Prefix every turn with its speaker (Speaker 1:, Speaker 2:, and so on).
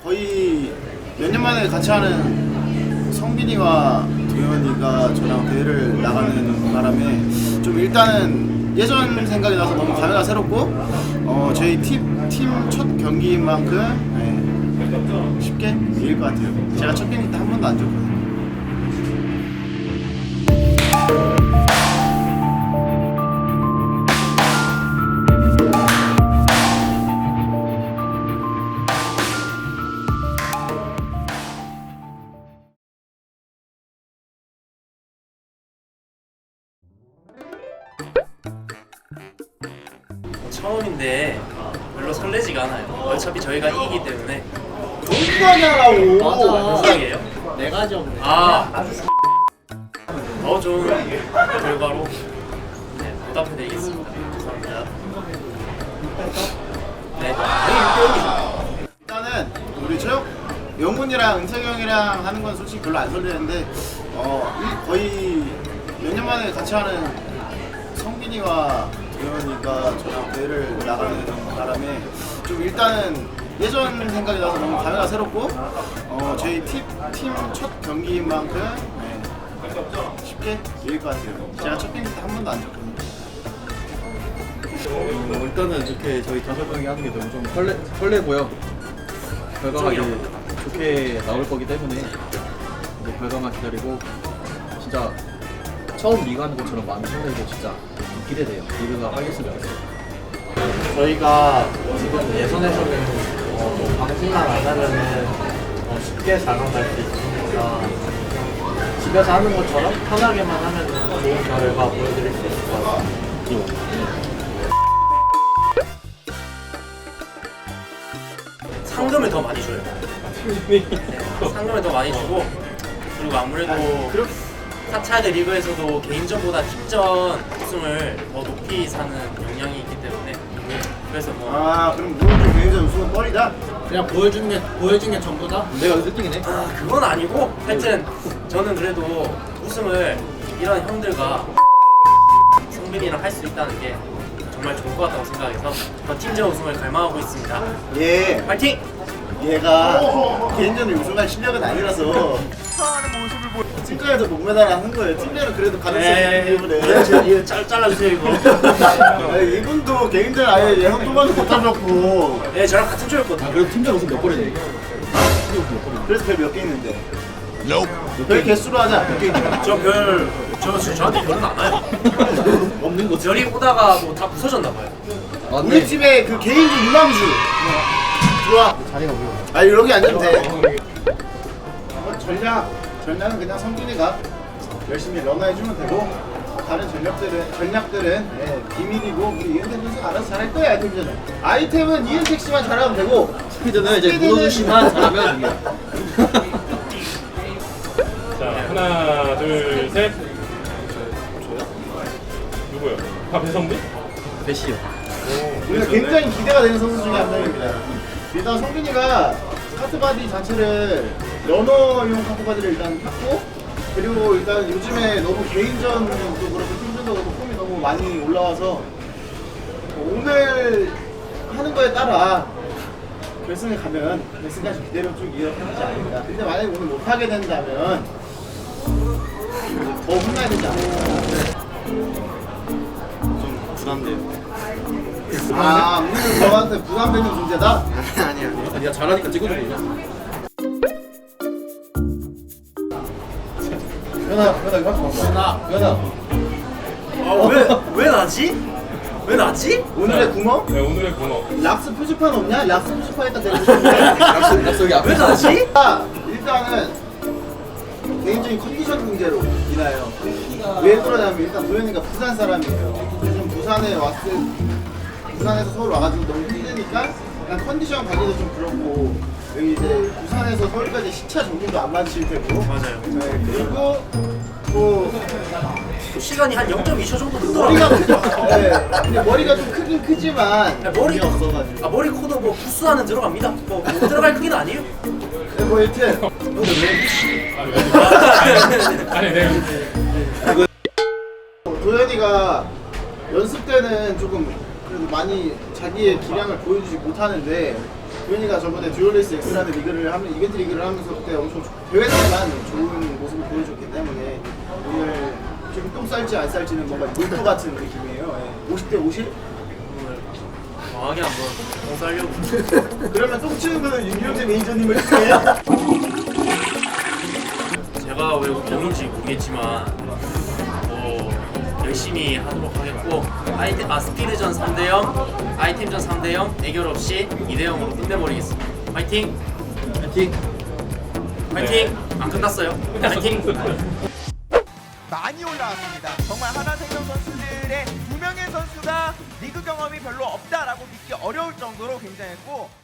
Speaker 1: 거의 몇 년 만에 같이 하는 성빈이와 도현이가 저랑 대회를 나가는 바람에 좀 일단은 예전 생각이 나서 너무 감회가 새롭고 저희 팀 첫 경기인 만큼 쉽게 이길 것 같아요. 제가 첫 경기 때 한 번도 안 졌거든요.
Speaker 2: 처음인데 별로 설레지가 않아요. 어차피 저희가 이기기 때문에.
Speaker 1: 동반하라고.
Speaker 2: 몇 살이에요?
Speaker 3: 네 가지 없네.
Speaker 2: 더 좋은 결과로 보답해드리겠습니다. 감사합니다. 네.
Speaker 1: 일단은 우리 체육 영훈이랑 은택이 형이랑 하는 건 솔직히 별로 안 설레는데 거의 몇 년 만에 같이 하는 성빈이와 도현이가 저랑 대회를 나가는 바람에 좀 일단은 예전 생각이 나서 너무 감회가 새롭고 저희 팀 첫 경기인 만큼 쉽게 이길 것 같아요. 제가 첫 경기 때 한 번도 안 졌거든요.
Speaker 3: 일단은 이렇게 저희 5명이 하는 게 너무 좀 설레고요. 결과가 이제 좋게 나올 거기 때문에 이제 결과만 기다리고 진짜 처음 리그 하는 것처럼 마음이 설레고 진짜 좀 기대돼요. 리그가 하겠으면 좋겠어요.
Speaker 4: 저희가 지금 예선에서는 방심만 안 하면은 쉽게 4강 갈 수 있으니까 집에서 하는 것처럼 편하게만 하면 좋은 결과 보여드릴 수 있을 것 같아요.
Speaker 2: 상금을 더 많이 줘요. 네, 상금을 더 많이 주고, 그리고 아무래도 사차드 리그에서도 개인전보다 팀전 우승을 더 높이 사는 영향이 있기 때문에, 그래서 뭐
Speaker 1: 그럼 무슨 개인전 우승은 뻘이다?
Speaker 4: 그냥 보여준 게 전부다?
Speaker 3: 내가 1등이네.
Speaker 2: 그건 아니고, 하여튼 저는 그래도 우승을 이런 형들과 성빈이랑 할 수 있다는 게 정말 좋을 것 같다고 생각해서 더 팀전 우승을 갈망하고 있습니다.
Speaker 1: 예.
Speaker 2: 파이팅!
Speaker 1: 얘가 개인전을 우승할 실력은 아니라서 팀전에서 목메달을 하는 거예요. 팀전은 그래도 가능성이 있기 때문에.
Speaker 4: 이거 잘라주세요 이거.
Speaker 1: 아니, 이분도 개인전 아예 예선 도전도 못하셨고
Speaker 2: 네, 저랑 같은 조였거든요.
Speaker 3: 그래도 팀장 우승 몇 번이네.
Speaker 1: 그래서 별 몇 개 있는데 별 개수로 하자. 몇 개 있는데
Speaker 2: 저한테 별은 안 와요.
Speaker 3: 없는 거지.
Speaker 2: 별이 오다가 뭐 다 부서졌나 봐요.
Speaker 1: 우리 집에 그 개인전 유망주 좋아.
Speaker 3: 자리가 뭐야?
Speaker 1: 아 여기 앉으면 돼. 전략은 그냥 성준이가 열심히 런너해주면 되고 다른 전략들은 비밀이고 우리 이은택 선수 알아서 잘할 거야. 아이템전은 아이템은 이은택 씨만 잘하면 되고
Speaker 3: 스피드는 이제 문호준 씨만 잘하면 이겨.
Speaker 5: 자, 하나, 둘, 셋. 누구요? 배성빈?
Speaker 3: 배시요.
Speaker 1: 우리가 굉장히 기대가 되는 선수 중에 한 명입니다. 일단 성빈이가 카트바디 자체를 러너용 카트바디를 일단 탔고 그리고 일단 요즘에 너무 개인전도 그렇고 팀전도 그렇고 폼이 너무 많이 올라와서 오늘 하는 거에 따라 결승에 가면 결승까지 기대를 쭉 이어가지 않을까. 근데 만약에 오늘 못하게 된다면 더 혼나야 되지 않을까.
Speaker 4: 좀 부담돼요.
Speaker 1: 우리는 너한테 부담되는 존재다?
Speaker 4: 아니야.
Speaker 3: 아니야 잘하니까 찍어주고 있냐?
Speaker 1: 연아
Speaker 2: 왜 나지? 왜 나지?
Speaker 1: 오늘의 구멍?
Speaker 5: 네, 오늘의 번호.
Speaker 1: 락스 표지판 없냐? 락스 표지판에다 대고 싶은데
Speaker 3: 약속이 앞에
Speaker 2: 왜 나지?
Speaker 1: 일단은 개인적인 컨디션 문제로 인하여 왜 그러냐면 일단 도현이가 부산 사람이에요. 요즘 부산에서 서울 와가지고 너무 힘드니까 약간 컨디션 관리도 좀 그렇고 여기 이제 부산에서 서울까지 시차 정도도 안 맞힐 테고
Speaker 2: 맞아요.
Speaker 1: 네, 그리고 뭐
Speaker 2: 시간이 한 0.2초 정도
Speaker 1: 머리가
Speaker 2: 늦더라고요.
Speaker 1: 네, 근데 머리가 좀 크긴 크지만
Speaker 2: 머리도
Speaker 1: 없어가지고
Speaker 2: 머리 코도 뭐 부스하는 들어갑니다. 뭐 못 들어갈 크기는 아니에요.
Speaker 1: 네, 뭐 여튼
Speaker 5: 아니, 네.
Speaker 1: 도현이가 연습 때는 조금 그래도 많이 자기의 기량을 보여주지 못하는데 도현이가 저번에 듀얼레이스 X라는 리그를 하면 이벤트 리그를 하면서 그때 엄청 대회 때만 좋은 모습을 보여줬기 때문에 오늘 지금 똥 쌀지 안 쌀지는 뭔가 놀토 같은 느낌이에요. 예. 50대 50?
Speaker 2: 정확하게 한번 똥 싸려고.
Speaker 1: 그러면 똥 치는 거는 윤영재 매니저님을 해요?
Speaker 2: 제가 왜 오는지 모르겠지만 열심히 하도록 하겠고 스피드전 3대0 아이템전 3대0 대결 없이 2대0으로 끝내버리겠습니다. 화이팅!
Speaker 3: 파이팅!
Speaker 2: 화이팅! 안 끝났어요. 화이팅!
Speaker 6: 많이 올라왔습니다. 정말 하나생명 선수들의 2명의 선수가 리그 경험이 별로 없다라고 믿기 어려울 정도로 굉장했고